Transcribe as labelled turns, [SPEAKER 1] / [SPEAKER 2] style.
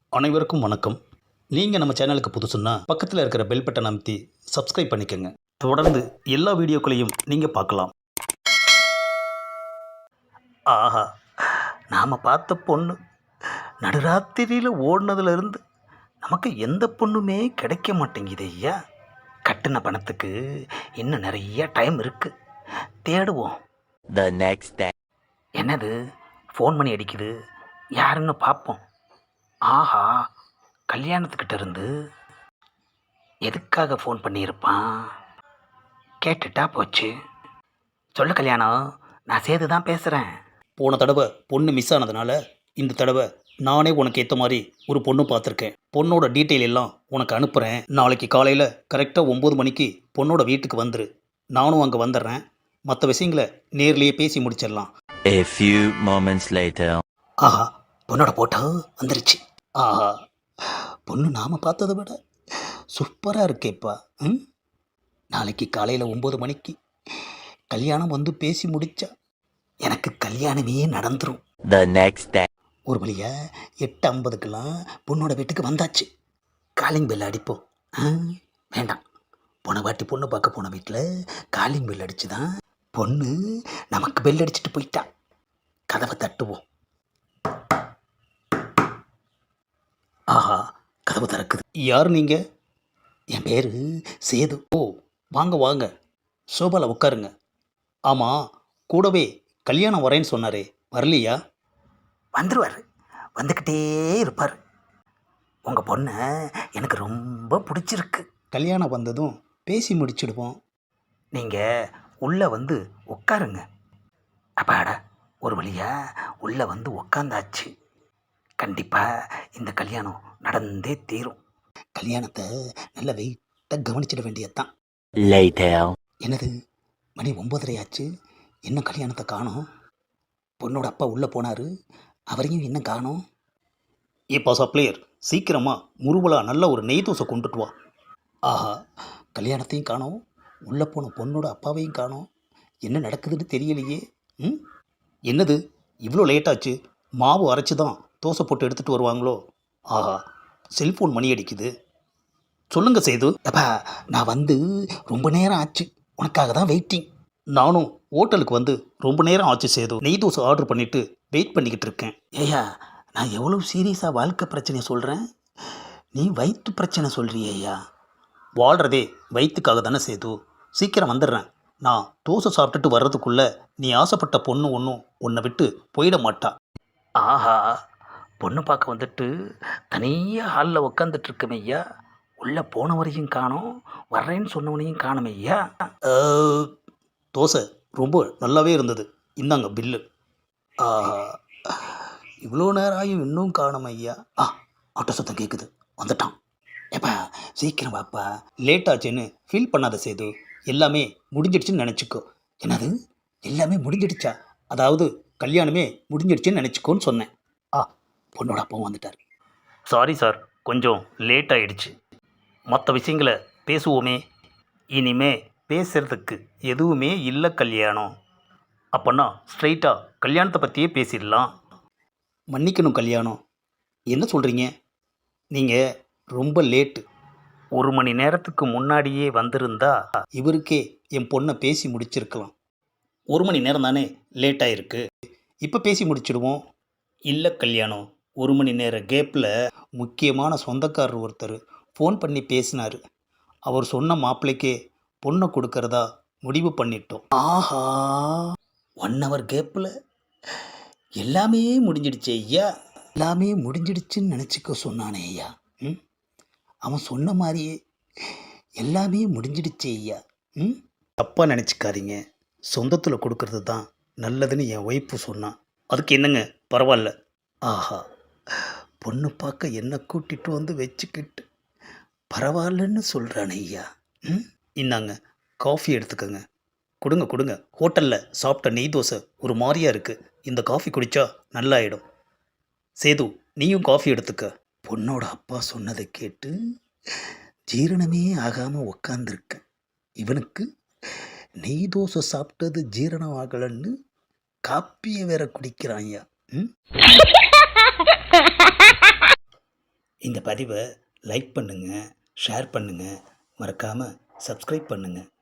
[SPEAKER 1] அனைவருக்கும் வணக்கம். நீங்கள் நம்ம சேனலுக்கு புதுசுன்னா பக்கத்தில் இருக்கிற பெல் பட்டன் அமைத்தி சப்ஸ்கிரைப் பண்ணிக்கோங்க. தொடர்ந்து எல்லா வீடியோக்களையும் நீங்கள் பார்க்கலாம். ஆஹா, நாம் பார்த்த பொண்ணு நடுராத்திரியில் ஓடினதுலேருந்து நமக்கு எந்த பொண்ணுமே கிடைக்க மாட்டேங்குது ஐயா. கட்டின பணத்துக்கு இன்னும் நிறைய டைம் இருக்குது, தேடுவோம்.
[SPEAKER 2] The next day.
[SPEAKER 1] என்னது ஃபோன் பண்ணி அடிக்குது, யாருன்னு பார்ப்போம். ஆஹா, கல்யாணத்துக்கிட்ட இருந்து எதுக்காக ஃபோன் பண்ணியிருப்பான்? கேட்டுட்டா போச்சு. சொல்லு கல்யாணம், நான் சேது தான் பேசுகிறேன். போன தடவை பொண்ணு மிஸ் ஆனதுனால இந்த தடவை நானே உனக்கு ஏற்ற மாதிரி ஒரு பொண்ணு பார்த்துருக்கேன். பொண்ணோட டீட்டெயில் எல்லாம் உனக்கு அனுப்புகிறேன். நாளைக்கு காலையில் கரெக்டாக 9 மணிக்கு பொண்ணோட வீட்டுக்கு வந்துரு. நானும் அங்கே வந்துடுறேன். மற்ற விஷயங்களை நேர்லேயே பேசி முடிச்சிடலாம்.
[SPEAKER 2] A few moments later.
[SPEAKER 1] ஆஹா, பொண்ணோட போட்டோ வந்துருச்சு. ஆஹா, பொண்ணு நாம் பார்த்ததை விட சூப்பராக இருக்கேப்பா. நாளைக்கு காலையில் 9 மணிக்கு கல்யாணம் வந்து பேசி முடிச்சா எனக்கு கல்யாணமே நடந்துடும்.
[SPEAKER 2] The next day.
[SPEAKER 1] ஒரு வழியா 8:50க்கெல்லாம் பொண்ணோட வீட்டுக்கு வந்தாச்சு. காலிங் பெல் அடிப்போம். வேண்டாம், போன வாட்டி பொண்ணு பார்க்க போன வீட்டில் காலிங் பெல் அடிச்சு தான் பொண்ணு நமக்கு பெல் அடிச்சுட்டு போயிட்டா. கதவை தட்டுவோம். ஆஹா, கதவு திறக்குது. யார் நீங்கள்? என் பேர் சேது. ஓ, வாங்க வாங்க, சோபாவில் உட்காருங்க. ஆமாம், கூடவே கல்யாணம் வரேன்னு சொன்னாரே, வரலையா? வந்துடுவார், வந்துக்கிட்டே இருப்பார். உங்கள் பொண்ணை எனக்கு ரொம்ப பிடிச்சிருக்கு. கல்யாணம் வந்ததும் பேசி முடிச்சிடுவோம். நீங்கள் உள்ளே வந்து உட்காருங்க. அப்பாடா, ஒரு வழியாக உள்ளே வந்து உட்காந்தாச்சு. கண்டிப்பாக இந்த கல்யாணம் நடந்தே தீரும். கல்யாணத்தை நல்ல வெயிட்டாக கவனிச்சிட வேண்டியதுதான்.
[SPEAKER 2] Later.
[SPEAKER 1] என்னது, மணி 9:30 ஆச்சு, இன்னும் கல்யாணத்தை காணோம். பொண்ணோட அப்பா உள்ளே போனார், அவரையும் இன்னும் காணோம். ஏப்பா சப்ளையர், சீக்கிரமாக முருவலா நல்ல ஒரு நெய் தோசை கொண்டுட்டு வா. ஆஹா, கல்யாணத்தையும் காணோம், உள்ளே போன பொண்ணோட அப்பாவையும் காணோம். என்ன நடக்குதுன்னு தெரியலையே. என்னது இவ்வளோ லேட்டாச்சு? மாவு அரைச்சி தான் தோசை போட்டு எடுத்துகிட்டு வருவாங்களோ? ஆஹா, செல்ஃபோன் மணி அடிக்குது. சொல்லுங்கள் சேது. அப்பா, நான் வந்து ரொம்ப நேரம் ஆச்சு, உனக்காக தான் வெயிட்டிங். நானும் ஹோட்டலுக்கு வந்து ரொம்ப நேரம் ஆச்சு சேது. நெய் தோசை ஆர்டர் பண்ணிவிட்டு வெயிட் பண்ணிக்கிட்டு இருக்கேன். ஏய்யா, நான் எவ்வளோ சீரியஸாக வாழ்க்கை பிரச்சனையை சொல்கிறேன், நீ வயிற்று பிரச்சனை சொல்கிறியா? வாழ்கிறதே வயிற்றுக்காக தானே சேது. சீக்கிரம் வந்துடுறேன். நான் தோசை சாப்பிட்டுட்டு வர்றதுக்குள்ளே நீ ஆசைப்பட்ட பொண்ணு ஒன்றும் உன்னை விட்டு போயிட மாட்டா. ஆஹா, பொண்ணு பார்க்க வந்துட்டு தனியாக ஹாலில் உக்காந்துட்டு இருக்கமே ஐயா. உள்ளே போனவரையும் காணோம், வர்றேன்னு சொன்னவனையும் காணுமே ஐயா. தோசை ரொம்ப நல்லாவே இருந்தது, இந்தாங்க பில்லு. ஆஹா, இவ்வளோ நேரம் ஆகியும் இன்னும் காணும் ஐயா. ஆட்டோ சத்தம் கேட்குது, வந்துட்டான். ஏப்பா சீக்கிரம் வாப்பா, லேட் ஆச்சுன்னு ஃபீல் பண்ணாத சேது. எல்லாமே முடிஞ்சிடுச்சுன்னு நினச்சிக்கோ. என்னது, எல்லாமே முடிஞ்சிடுச்சா? அதாவது கல்யாணமே முடிஞ்சிடுச்சுன்னு நினச்சிக்கோன்னு சொன்னேன். பொண்ணோட அப்பாவும் வந்துட்டார். சாரி சார், கொஞ்சம் லேட் ஆகிடுச்சு. மற்ற விஷயங்களை பேசுவோமே. இனிமே பேசுகிறதுக்கு எதுவுமே இல்லை கல்யாணம். அப்போன்னா ஸ்ட்ரைட்டாக கல்யாணத்தை பற்றியே பேசிடலாம். மன்னிக்கணும் கல்யாணம், என்ன சொல்கிறீங்க? நீங்கள் ரொம்ப லேட்டு. 1 மணி நேரத்துக்கு முன்னாடியே வந்திருந்தா இவருக்கே என் பொண்ணை பேசி முடிச்சிருக்கலாம். 1 மணி நேரம் தானே லேட் ஆகிருக்கு, இப்போ பேசி முடிச்சிடுவோம். இல்லை கல்யாணம், 1 மணி நேர கேப்பில் முக்கியமான சொந்தக்காரர் ஒருத்தர் ஃபோன் பண்ணி பேசினார். அவர் சொன்ன மாப்பிள்ளைக்கே பொண்ணை கொடுக்கறதா முடிவு பண்ணிட்டோம். ஆஹா, 1 ஹவர் கேப்பில் எல்லாமே முடிஞ்சிடுச்சு ஐயா. எல்லாமே முடிஞ்சிடுச்சுன்னு நினச்சிக்க சொன்னானே ஐயா. அவன் சொன்ன மாதிரியே எல்லாமே முடிஞ்சிடுச்சு ஐயா. தப்பாக நினச்சிக்காதீங்க, சொந்தத்தில் கொடுக்கறது தான் நல்லதுன்னு என் ஒய்ஃபு சொன்னான். அதுக்கு என்னங்க, பரவாயில்ல. ஆஹா, பொண்ணு பார்க்க என்ன கூட்டிகிட்டு வந்து வச்சுக்கிட்டு பரவாயில்லன்னு சொல்கிறான் ஐயா. இந்தாங்க காஃபி எடுத்துக்கோங்க. கொடுங்க கொடுங்க, ஹோட்டலில் சாப்பிட்ட நெய் தோசை ஒரு மாதிரியாக இருக்குது, இந்த காஃபி குடித்தா நல்லாயிடும். சேது, நீயும் காஃபி எடுத்துக்க. பொண்ணோட அப்பா சொன்னதை கேட்டு ஜீரணமே ஆகாமல் உக்காந்துருக்கேன். இவனுக்கு நெய் தோசை சாப்பிட்டது ஜீரணம் ஆகலைன்னு காப்பியை வேற குடிக்கிறான் ஐயா. இந்த பதிவை லைக் பண்ணுங்கள், ஷேர் பண்ணுங்கள், மறக்காமல் சப்ஸ்கிரைப் பண்ணுங்கள்.